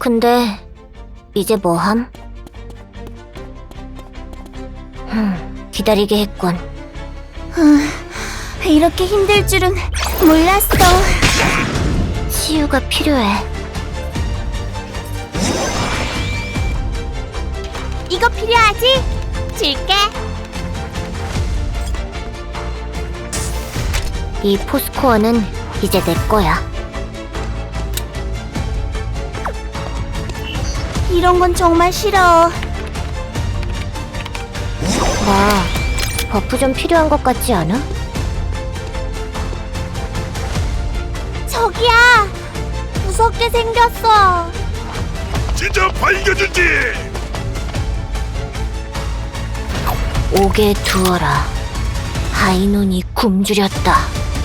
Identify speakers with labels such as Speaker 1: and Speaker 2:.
Speaker 1: 근데 이제 뭐함? 기다리게 했군.
Speaker 2: 이렇게 힘들 줄은 몰랐어.
Speaker 1: 치유가 필요해.
Speaker 2: 이거 필요하지? 줄게.
Speaker 1: 이 포스코어는 이제 내 거야.
Speaker 2: 이런 건 정말 싫어.
Speaker 1: 나 버프 좀 필요한 것 같지 않아?
Speaker 2: 저기야! 무섭게 생겼어.
Speaker 3: 진짜 밝혀주지!
Speaker 1: 오게 두어라. 하이논이 굶주렸다.